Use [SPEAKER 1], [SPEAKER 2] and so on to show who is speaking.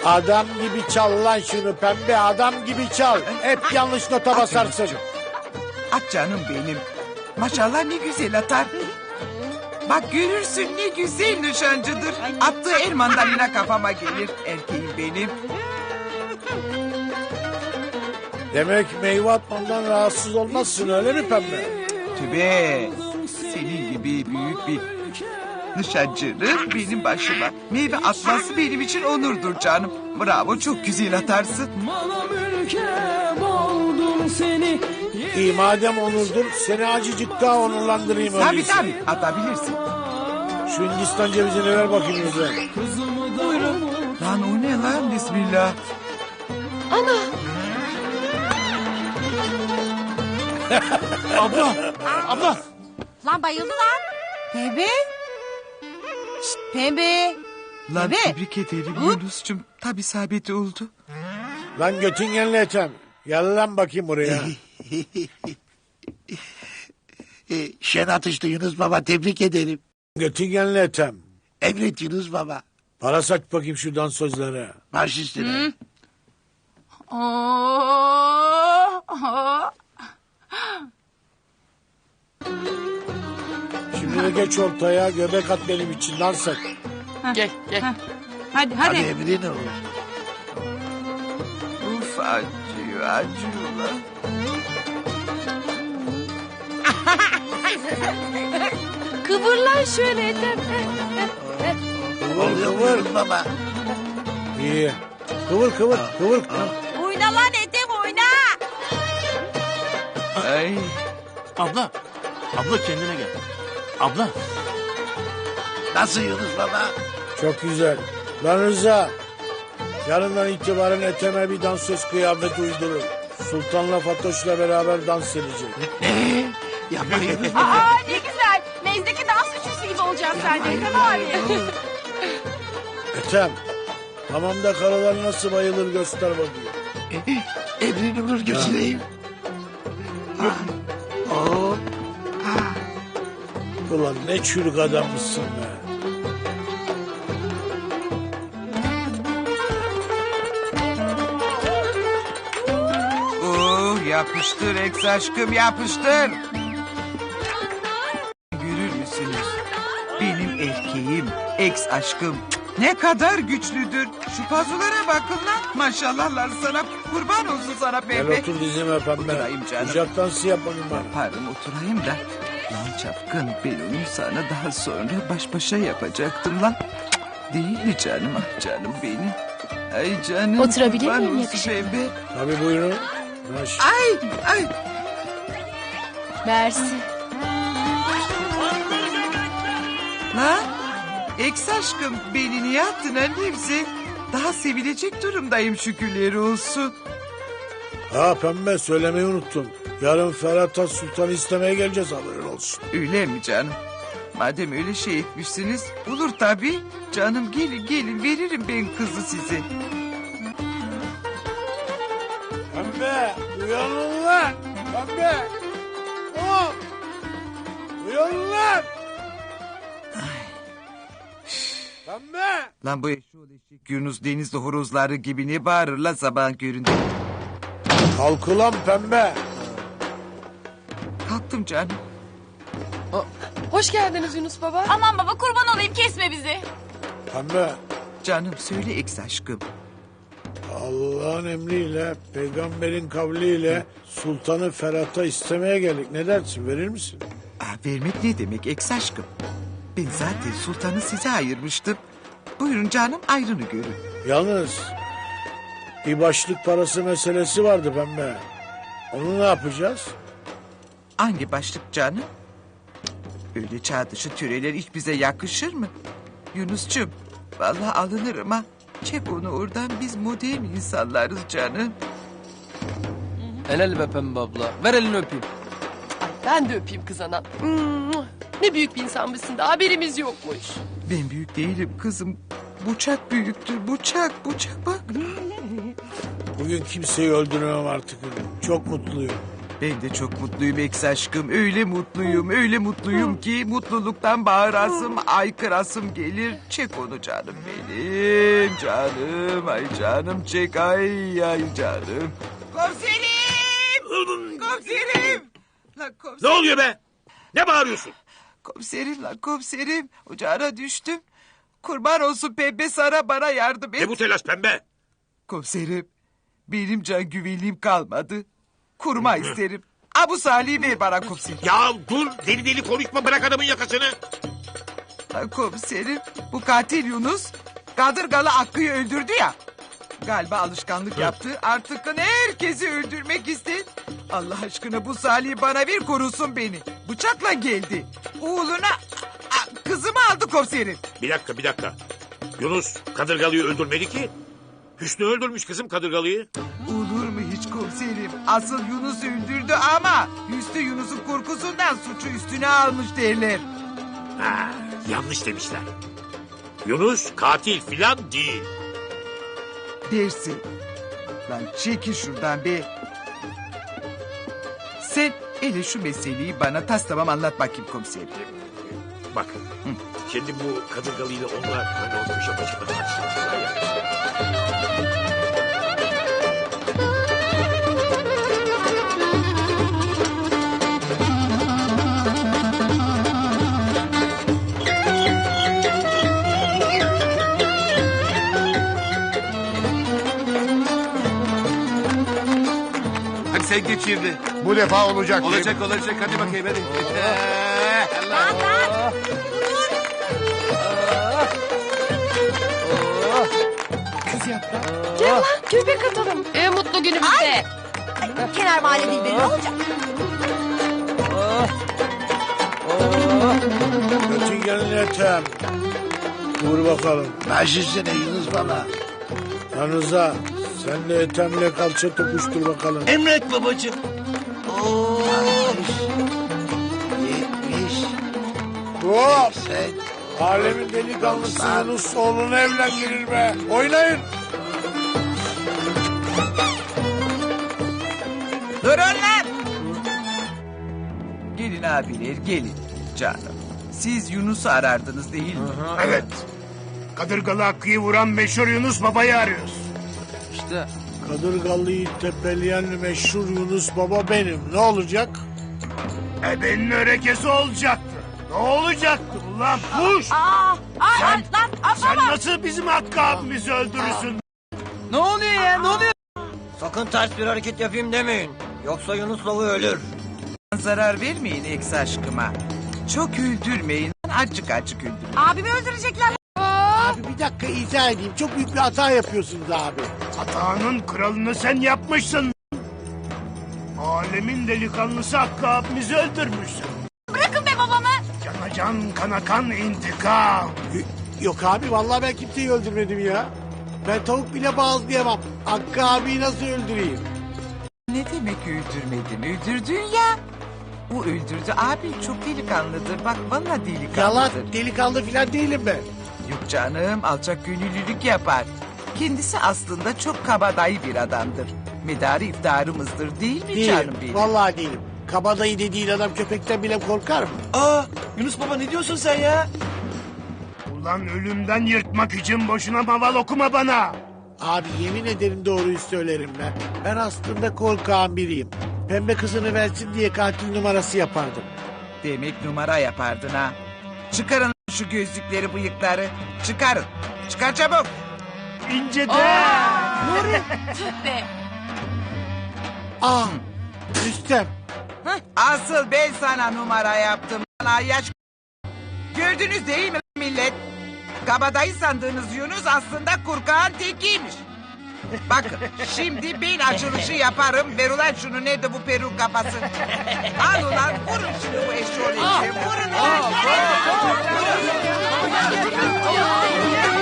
[SPEAKER 1] Adam gibi çal lan şunu pembe, adam gibi çal. Hep yanlış nota basarsın.
[SPEAKER 2] At canım benim. Maşallah ne güzel atar. Bak görürsün ne güzel nişancıdır. Attığı el mandalina kafama gelir. Erkeğim benim.
[SPEAKER 1] Demek meyve atmamdan rahatsız olmazsın öyle mi pembe?
[SPEAKER 2] Tübe. Senin gibi büyük bir nişancının benim başıma meyve atması benim için onurdur canım. Bravo, çok güzel atarsın.
[SPEAKER 1] İyi madem onurdur seni acıcık daha onurlandırayım
[SPEAKER 2] Tabii
[SPEAKER 1] öyleyse.
[SPEAKER 2] tabii atabilirsin.
[SPEAKER 1] Şu Hindistan cevizini ver bakayım lütfen.
[SPEAKER 2] Buyurun. Lan o ne lan, bismillah.
[SPEAKER 1] Abla.
[SPEAKER 3] Lan bayıldı lan. Pembe. Şşt, pembe.
[SPEAKER 2] Lan
[SPEAKER 3] Bebe.
[SPEAKER 2] tebrik ederim Yunus'cum. Tabii isabeti oldu.
[SPEAKER 1] Lan Göttingenli etem. Gel lan bakayım buraya.
[SPEAKER 4] Şen atıştı Yunus Baba, tebrik ederim.
[SPEAKER 1] Göttingenli etem.
[SPEAKER 4] Emret Yunus Baba.
[SPEAKER 1] Para saç bakayım şu dansözlere.
[SPEAKER 4] Baş üstüne.
[SPEAKER 1] Şimdi de geç ortaya göbek at benim için dans et.
[SPEAKER 3] Gel gel. Hadi
[SPEAKER 4] Hadi emrin olur.
[SPEAKER 2] Uf, acıyor acıyor lan.
[SPEAKER 3] Kıvır lan şöyle Ethem.
[SPEAKER 4] Oluyor mu Yunus Baba?
[SPEAKER 1] İyi. Kıvır.
[SPEAKER 3] Oyna lan Ethem oyna.
[SPEAKER 2] Ay.
[SPEAKER 5] Abla. Abla kendine gel. Abla.
[SPEAKER 4] Nasıl Yunus Baba?
[SPEAKER 1] Çok güzel. Lan Rıza. Yarından itibaren Ethem'e bir dansöz kıyafeti uydurur. Sultan'la Fatoş'la beraber dans edecek.
[SPEAKER 4] Yapma Yunus Baba.
[SPEAKER 3] Aa ne güzel. Mezdeki dans üçlüsü gibi olacağım sen de Ethem abi.
[SPEAKER 1] Ethem. Hamamda karılar nasıl bayılır göster bakayım.
[SPEAKER 4] Emrin olur, götüreyim. Oo.
[SPEAKER 1] Ulan ne çürük adammışsın be.
[SPEAKER 2] Yapıştır ex aşkım, yapıştır. Görür müsünüz? Benim erkeğim, ex aşkım ne kadar güçlüdür. Şu pazulara bakın lan. Maşallahlar sana, kurban olsun sana
[SPEAKER 1] Gel
[SPEAKER 2] pembe.
[SPEAKER 1] otur dizime pembe.
[SPEAKER 2] Oturayım canım.
[SPEAKER 1] Kucak dansı yapalım bana.
[SPEAKER 2] Yaparım, oturayım da. Lan çapkın, ben onu sana daha sonra baş başa yapacaktım lan. Değil mi canım, ah canım benim. Ay canım.
[SPEAKER 6] Oturabilir
[SPEAKER 2] kurban
[SPEAKER 6] miyim
[SPEAKER 2] olsun
[SPEAKER 6] yakışıklı?
[SPEAKER 2] pembe.
[SPEAKER 1] Tabii buyurun. Baş.
[SPEAKER 2] Ay.
[SPEAKER 6] Mersi.
[SPEAKER 2] Lan ex aşkım, beni niye attın annemse? Daha sevilecek durumdayım, şükürler olsun.
[SPEAKER 1] Ha pembe söylemeyi unuttum. Yarın Ferhat Sultan'ı istemeye geleceğiz haberin olsun.
[SPEAKER 2] Öyle mi canım? Madem öyle şey etmişsiniz, olur tabii. Canım gelin veririm ben kızı size.
[SPEAKER 1] Pembe uyanın lan. Pembe. Oh. Uyanın lan. Pembe.
[SPEAKER 2] Lan bu eşoğlu eşek Yunus denizli horozları gibi ne bağırır lan sabahın köründe.
[SPEAKER 1] Kalk ulan pembe.
[SPEAKER 2] Kalktım canım.
[SPEAKER 6] Hoş geldiniz Yunus Baba.
[SPEAKER 3] Aman baba kurban olayım kesme bizi.
[SPEAKER 1] Pembe.
[SPEAKER 2] Canım söyle ex aşkım.
[SPEAKER 1] Allah'ın emriyle, peygamberin kavliyle sultanı Ferhat'a istemeye geldik. Ne dersin, verir misin?
[SPEAKER 2] Vermek ne demek ex aşkım? Ben zaten sultanı size ayırmıştım. Buyurun canım, ayrını görün.
[SPEAKER 1] Yalnız bir başlık parası meselesi vardı pembe. Onu ne yapacağız?
[SPEAKER 2] Hangi başlık canım? Öyle çağ dışı töreler hiç bize yakışır mı? Yunus'cum, vallahi alınırım ha. Çek onu oradan, biz modern insanlarız canım.
[SPEAKER 7] Helal be Pembe abla. Ver elini öpeyim.
[SPEAKER 6] Ben de öpeyim kız anam. Ne büyük bir insanmışsın da haberimiz yokmuş.
[SPEAKER 2] Ben büyük değilim kızım. Bıçak büyüktür, bıçak bak.
[SPEAKER 1] Bugün kimseyi öldüremem artık. Çok mutluyum.
[SPEAKER 2] Ben de çok mutluyum eks aşkım. Öyle mutluyum ki mutluluktan bağırasım, aykırasım gelir. Çek onu canım benim. Canım, ay canım çek, ay canım. Komiserim! Komiserim! Lan
[SPEAKER 8] Ne
[SPEAKER 2] komiserim,
[SPEAKER 8] oluyor be? Ne bağırıyorsun?
[SPEAKER 2] komiserim. Ocağına düştüm. Kurban olsun pembe Sara, bana yardım et.
[SPEAKER 8] Ne bu telaş pembe?
[SPEAKER 2] Komiserim, benim can güvenliğim kalmadı. Kurma isterim. Abu Salih'i ver bana komiserim.
[SPEAKER 8] Ya dur, deli deli konuşma, bırak adamın yakasını.
[SPEAKER 2] Ha, komiserim, bu katil Yunus Kadırgalı Hakkı'yı öldürdü ya. Galiba alışkanlık yaptı. Artık herkesi öldürmek istedi. Allah aşkına bu Salih'i bana ver, korusun beni. Bıçakla geldi. Oğluna kızımı aldı komiserim.
[SPEAKER 8] Bir dakika. Yunus Kadırgalı'yı öldürmedi ki. Hüsnü öldürmüş kızım Kadırgalı'yı.
[SPEAKER 2] Olur mu hiç komiserim? Asıl Yunus öldürdü ama Hüsnü Yunus'un korkusundan suçu üstüne almış derler.
[SPEAKER 8] Ha, yanlış demişler. Yunus katil filan değil.
[SPEAKER 2] Dersin. Lan çekil şuradan be. Sen hele şu meseleyi bana tas tamam anlat bakayım komiserim.
[SPEAKER 8] Bak, şimdi bu Kadırgalı'yla onlar hani o köşe başına tartışmışlar ya.
[SPEAKER 7] Hadi sen geç şimdi.
[SPEAKER 4] Bu defa olacak.
[SPEAKER 7] Olacak hadi bakayım hadi.
[SPEAKER 6] Gel lan göbek atalım. En mutlu günümüzde.
[SPEAKER 3] Kenar mahalle dilberi ne olacak?
[SPEAKER 1] Bütün gelin Ethem. Dur bakalım.
[SPEAKER 4] Baş üstüne Yunus baba.
[SPEAKER 1] Yanınıza sen de Ethem'le kalça tokuştur bakalım.
[SPEAKER 5] Emret babacığım.
[SPEAKER 4] 70,
[SPEAKER 1] Hop!
[SPEAKER 4] 80.
[SPEAKER 1] Alemin delikanlısı Yunus oğlunu evlendirir be. Oynayın.
[SPEAKER 2] Durun lan! Gelin abiler gelin canım. Siz Yunus'u arardınız değil mi?
[SPEAKER 9] Evet. Kadırgalı Hakkı'yı vuran meşhur Yunus Baba'yı arıyoruz.
[SPEAKER 7] İşte
[SPEAKER 1] Kadırgalı'yı tepeleyen meşhur Yunus Baba benim. Ne olacak?
[SPEAKER 9] Ebenin örekesi olacaktı. Ne olacaktı ulan puş? Sen nasıl bizim Hakkı abimizi öldürürsün?
[SPEAKER 2] Ne oluyor ya ne oluyor?
[SPEAKER 10] Sakın ters bir hareket yapayım demeyin. Yoksa Yunus Baba ölür.
[SPEAKER 2] Zarar vermeyin eks aşkıma. Çok öldürmeyin. Acık öldürün.
[SPEAKER 3] Abimi öldürecekler.
[SPEAKER 1] Abi bir dakika izah edeyim. Çok büyük bir hata yapıyorsunuz abi.
[SPEAKER 9] Hatanın kralını sen yapmışsın. Alemin delikanlısı Hakkı abimizi öldürmüşsün.
[SPEAKER 3] Bırakın be babamı.
[SPEAKER 9] Cana can kana kan intikam.
[SPEAKER 1] Yok abi vallahi ben kimseyi öldürmedim ya. Ben tavuk bile bağızlayamam. Hakkı abiyi nasıl öldüreyim?
[SPEAKER 2] Ne demek öldürmedin? Öldürdün ya. O öldürdü abi, çok delikanlıdır. Bak vallahi delikanlıdır.
[SPEAKER 1] Yalan delikanlı falan değilim ben.
[SPEAKER 2] Yok canım, alçak gönüllülük yapar. Kendisi aslında çok kabadayı bir adamdır. Medarı iftarımızdır değil mi canım
[SPEAKER 1] Değilim.
[SPEAKER 2] benim?
[SPEAKER 1] Vallahi değilim. Kabadayı dediğin adam köpekten bile korkar mı?
[SPEAKER 5] Aa, Yunus baba ne diyorsun sen ya?
[SPEAKER 9] Ulan ölümden yırtmak için boşuna maval okuma bana.
[SPEAKER 1] Abi yemin ederim doğruyu söylerim ben. Ben aslında korkağın biriyim. Pembe kızını versin diye katil numarası yapardım.
[SPEAKER 2] Demek numara yapardın ha. Çıkarın şu gözlükleri, bıyıkları. Çıkarın. Çıkar çabuk.
[SPEAKER 9] İnce de.
[SPEAKER 3] Tüh be.
[SPEAKER 1] Ah Rüstem.
[SPEAKER 2] Asıl ben sana numara yaptım. Lan yaş. Gördünüz değil mi millet? Kabadayı sandığınız Yunus aslında kurkağın tekiymiş. Bakın şimdi ben açılışı yaparım. Ver ulan şunu, nerede bu peruk kafası? Al ulan vurun şunu bu eşşoğlu. Vurun ulan.